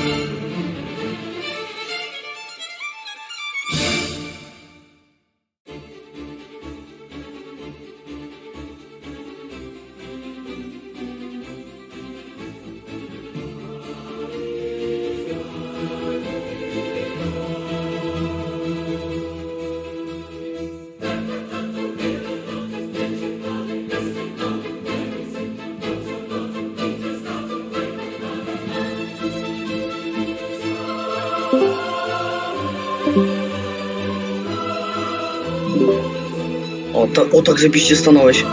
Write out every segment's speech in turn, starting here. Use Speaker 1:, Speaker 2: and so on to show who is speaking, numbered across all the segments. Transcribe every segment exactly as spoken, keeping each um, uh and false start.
Speaker 1: O, ta, o tak zajebiście stanąłeś.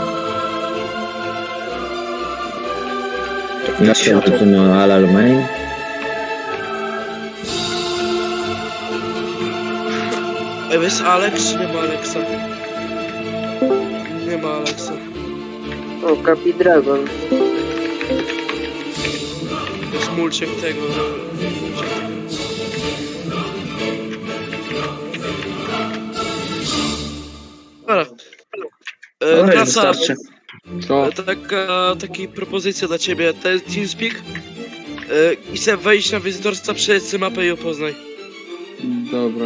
Speaker 2: Ja się to na Alal Main.
Speaker 3: Ej, jest Alex czy nie ma Alexa? Nie ma Alexa.
Speaker 4: O, Kapi Dragon.
Speaker 3: Jest mulciek tego. Dobra. E,
Speaker 1: No,
Speaker 3: Klasa,
Speaker 1: wystarczy.
Speaker 5: Co?
Speaker 3: taka, taka propozycja dla ciebie. To jest TeamSpeak. E, I chcę wejść na wizytorstwa, przejdź sobie mapę i opoznaj.
Speaker 5: Dobra.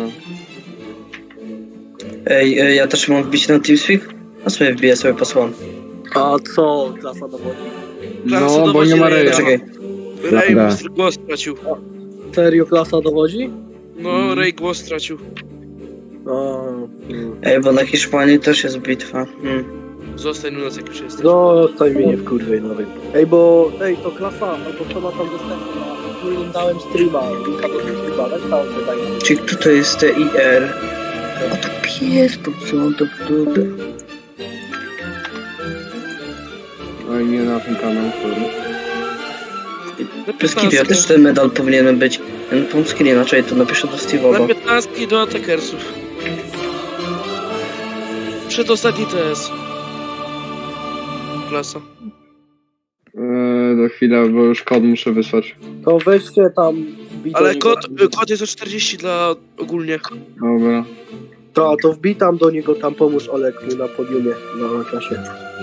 Speaker 1: Ej, ej, ja też mam wbić na TeamSpeak? A sobie wbiję, sobie posłam.
Speaker 4: A co klasa dowodzi?
Speaker 3: Klasa
Speaker 5: No, bo
Speaker 3: dowodzi
Speaker 5: nie ma
Speaker 3: Reja.
Speaker 5: Reja.
Speaker 1: Czekaj.
Speaker 3: Ray
Speaker 2: Dobra.
Speaker 3: głos stracił.
Speaker 4: Serio klasa dowodzi?
Speaker 3: No, Ray głos stracił.
Speaker 4: A,
Speaker 1: Ej, bo na Hiszpanii też jest bitwa. Hmm.
Speaker 3: Zostań u nas jak już jesteś.
Speaker 4: zostań mnie nie w kurwej nowej. Ej, bo, ej, to klasa, albo kto ma tam dostępna, którym dałem streama, linka do tego streama, tak tam wydaje.
Speaker 1: Czyli kto to jest T I R? A to pies, po co on to wtedy?
Speaker 5: Oj, nie na ten kanał, sorry.
Speaker 1: Bez kitu, ja też ten medal powinienem być. Ja na pomski inaczej to napiszę do
Speaker 3: Na
Speaker 1: Steve'owa.
Speaker 3: piętnastki do atakersów. Przedostatni T S. Klasa.
Speaker 5: Eee, do chwilę, bo już kod muszę wysłać.
Speaker 4: To weźcie tam wbij do
Speaker 3: Ale
Speaker 4: niego-
Speaker 3: kod, kod jest o czterdzieści dla ogólnie.
Speaker 5: Dobra.
Speaker 4: To, to wbij tam do niego, tam pomóż Olek na podiumie, na klasie.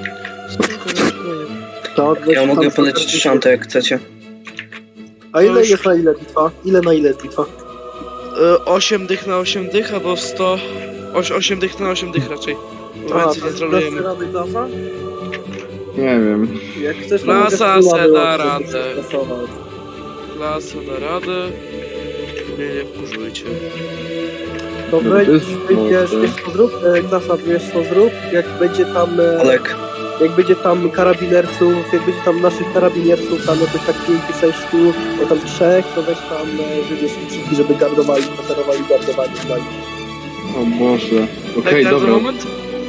Speaker 4: To, weź
Speaker 1: Ja
Speaker 4: tam
Speaker 1: mogę
Speaker 4: sto
Speaker 1: polecić
Speaker 4: czterdzieści.
Speaker 1: szantę jak chcecie.
Speaker 4: A ile
Speaker 3: Już.
Speaker 4: jest na ile bitwa? Ile na ile jest bitwa?
Speaker 3: Y, osiem dych na osiem dych, albo sto... osiem dych na osiem dych raczej. Bo
Speaker 4: A,
Speaker 3: więcej
Speaker 4: to
Speaker 3: nie
Speaker 4: jest
Speaker 3: trolujemy.
Speaker 4: rady klasa?
Speaker 5: Nie wiem.
Speaker 4: Jak chcesz, to
Speaker 3: Klasa
Speaker 4: mogę streama
Speaker 3: se da
Speaker 4: wyłączyć,
Speaker 3: radę.
Speaker 4: żeby stresować.
Speaker 3: Klasa da radę. Nie, nie wkurzujcie.
Speaker 4: To
Speaker 5: No,
Speaker 4: weź,
Speaker 5: to jest
Speaker 4: wyjdziesz,
Speaker 5: mocne.
Speaker 4: wiesz co zrób, e, klasa, wiesz co zrób, jak będzie tam, e,
Speaker 1: Olek,
Speaker 4: jak będzie tam karabinersów, jak będzie tam naszych karabinersów, tam jakoś tak pięciu, sześciu, bo tam trzech, to weź tam, e, wybierz ich wszystkich, żeby gardowali, poterowali, gardowali, gardowali.
Speaker 5: O Boże. Okej,
Speaker 3: Okay, garda
Speaker 5: dobra.
Speaker 3: moment?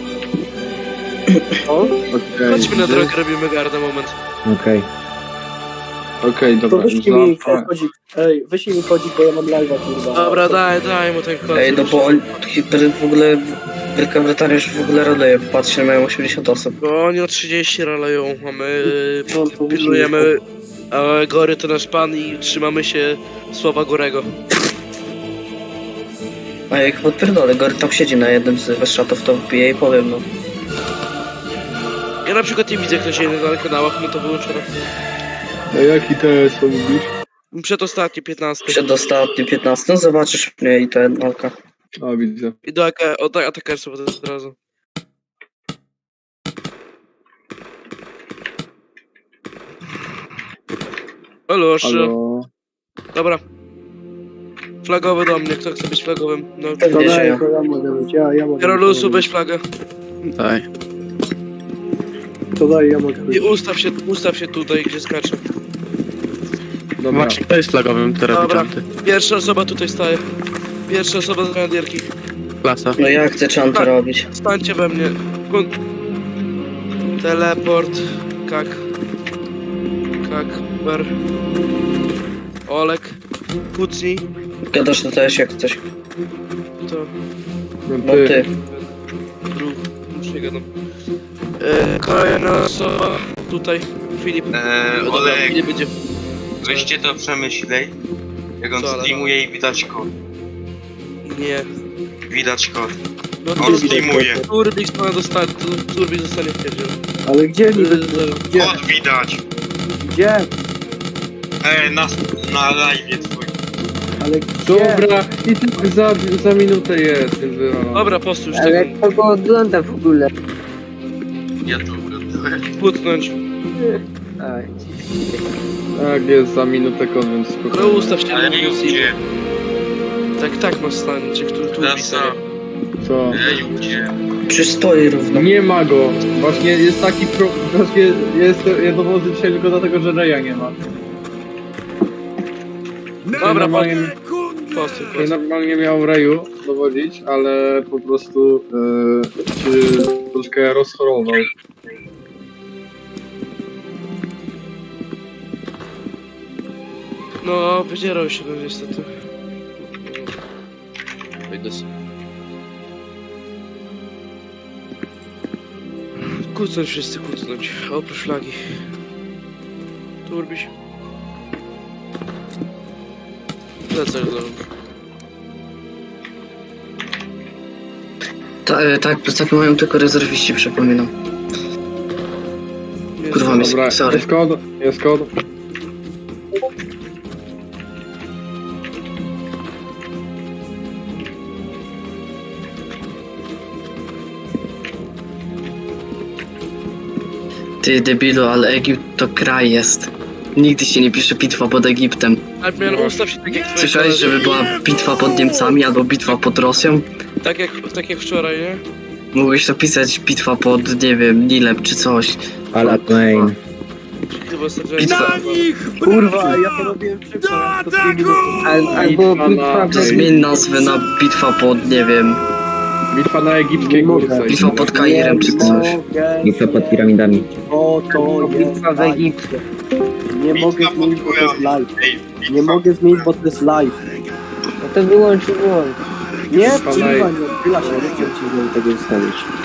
Speaker 4: O,
Speaker 5: Okej,
Speaker 3: Chodźmy na
Speaker 5: gdzie-
Speaker 3: drogę, robimy garda moment.
Speaker 2: Okej.
Speaker 5: Okej,
Speaker 4: to
Speaker 5: dobra.
Speaker 4: wyślij mi
Speaker 5: Za-
Speaker 4: kodzik, ej, wyślij mi kodzik, bo ja mam live'a, kurwa.
Speaker 3: Dobra, daj, daj mu ten kod.
Speaker 1: ej, no bo on, w ogóle Wielka Brytania już w ogóle raduje, patrzcie, mają osiemdziesiąt osób.
Speaker 3: Bo oni o trzydzieści raleją, a my
Speaker 4: No, to
Speaker 3: pilnujemy, a Gory to nasz pan i trzymamy się słowa Gorego.
Speaker 1: A jak podpierdolę, Gory tam siedzi na jednym z weszczatów, to wbiję i powiem, no.
Speaker 3: Ja na przykład nie widzę, kto się na kanałach, no to wyłączone.
Speaker 5: A jaki to jest, co mówisz?
Speaker 3: Przedostatni, piętnasty.
Speaker 1: Przedostatni piętnasty, no zobaczysz mnie i ten Olka.
Speaker 5: A, widzę.
Speaker 3: I do AK, od atakersów od razu. Halo,
Speaker 5: Halo.
Speaker 3: Dobra. Flagowy do mnie, kto chce być flagowym? No.
Speaker 4: To
Speaker 1: Pewnie, że
Speaker 4: daj,
Speaker 1: ja.
Speaker 4: to ja mogę być, ja, ja mogę
Speaker 3: Karolusu,
Speaker 4: być.
Speaker 3: weź flagę.
Speaker 6: Daj.
Speaker 4: To daj, ja mogę być.
Speaker 3: I ustaw się, ustaw się tutaj, gdzie skaczę.
Speaker 5: Dobra.
Speaker 6: Właśnie, kto jest flagowym teraz
Speaker 3: Dobra.
Speaker 6: widziałem?
Speaker 3: Pierwsza osoba tutaj staje. Pierwsza osoba z granadierki.
Speaker 6: Klasa.
Speaker 1: No ja chcę czanty
Speaker 3: Tak.
Speaker 1: robić.
Speaker 3: Stańcie we mnie. Kun... Teleport. Kak. Kakber. Olek. Kucnij.
Speaker 1: Gadasz na też jak coś.
Speaker 3: To.
Speaker 5: No
Speaker 1: No
Speaker 5: ty.
Speaker 1: ty.
Speaker 3: Ruch. Już nie gadam. E, kolejna osoba. Tutaj. Filip.
Speaker 7: Eee,
Speaker 3: Dobra,
Speaker 7: Olek,
Speaker 3: Filip będzie.
Speaker 7: weźcie to przemyślej. Jak on
Speaker 3: Co, ale-
Speaker 7: streamuje i widać kod.
Speaker 3: Nie.
Speaker 7: Widać kod.
Speaker 3: No
Speaker 7: On
Speaker 3: Turbik.
Speaker 7: streamuje.
Speaker 3: Turbik ma dostać. Turbik zostanie w pierdziel.
Speaker 4: Ale gdzie niby? Gdzie?
Speaker 7: Kod widać.
Speaker 4: Gdzie?
Speaker 7: Eee, na, na live twój
Speaker 4: Ale gdzie?
Speaker 5: Dobra, i tak za, za minutę jest, więc wywalone.
Speaker 3: Dobra, postu już
Speaker 8: Ale
Speaker 3: tego
Speaker 8: kogo ogląda w ogóle?
Speaker 7: Ja to oglądałem.
Speaker 3: płutnąć.
Speaker 8: Aj.
Speaker 5: Tak, jest za minutę kod, więc
Speaker 3: No
Speaker 5: spokojnie.
Speaker 3: ustaw się
Speaker 7: Ale
Speaker 3: na
Speaker 7: nie
Speaker 3: mówiąc
Speaker 7: gdzie?
Speaker 3: Tak, tak masz stanie, czy tu, tu
Speaker 7: Klasa.
Speaker 3: pisanie.
Speaker 5: Co?
Speaker 7: Ej, gdzie?
Speaker 1: Czy stoi równo?
Speaker 5: Nie ma go. Właśnie jest taki pro... Właśnie jest, ja dowodzę dzisiaj tylko dlatego, że Reja nie ma.
Speaker 3: Dobra,
Speaker 5: normalnie,
Speaker 3: postu,
Speaker 5: ja
Speaker 3: postu.
Speaker 5: normalnie miał Reju dowodzić, ale po prostu yy, się troszkę rozchorował.
Speaker 3: No, wydzierał się no niestety. Wejdę sobie. Kucnąć wszyscy, kucnąć. Oprócz flagi. Turbiś. Plecak do...
Speaker 1: Ta, e, tak, plecaki mają tylko rezerwiści, przypominam. Kurwa, mi
Speaker 5: Dobra,
Speaker 1: sorry.
Speaker 5: jest kod, jest kod.
Speaker 1: Ty debilu, ale Egipt to kraj jest. Nigdy się nie pisze bitwa pod Egiptem.
Speaker 3: Admian, ustaw się tak jak twoi
Speaker 1: Słyszałeś,
Speaker 3: koledzy.
Speaker 1: żeby była bitwa pod Niemcami albo bitwa pod Rosją?
Speaker 3: Tak jak, tak jak wczoraj, nie?
Speaker 1: Mógłbyś to pisać bitwa pod, nie wiem, Nilem czy coś.
Speaker 2: Alat main.
Speaker 3: Chyba ostatnio...
Speaker 1: Bitwa.
Speaker 4: Kurwa, ja to robiłem szybko. To dwie minuty.
Speaker 8: Al, albo
Speaker 5: Bitwa
Speaker 8: bitwa
Speaker 5: na-
Speaker 8: w
Speaker 1: To zmień nazwę na bitwa pod, nie wiem,
Speaker 5: Bitwa na egipskiej
Speaker 4: Nie mogę.
Speaker 5: górce.
Speaker 1: bitwa pod Kairem czy coś.
Speaker 4: mogę
Speaker 2: Bitwa pod piramidami.
Speaker 4: Bo to jest
Speaker 8: bitwa w
Speaker 4: live.
Speaker 8: Egipcie.
Speaker 4: Nie
Speaker 7: Bitwa
Speaker 4: mogę
Speaker 7: pod
Speaker 4: zmienić, bo to jest live.
Speaker 7: Ej,
Speaker 4: Nie mogę zmienić, bo to jest live.
Speaker 8: No to wyłącz, wyłącz.
Speaker 4: Nie,
Speaker 5: Bitwa na-
Speaker 4: kurwa, nie odchyla się, nie chcę ci znowu tego ustawić.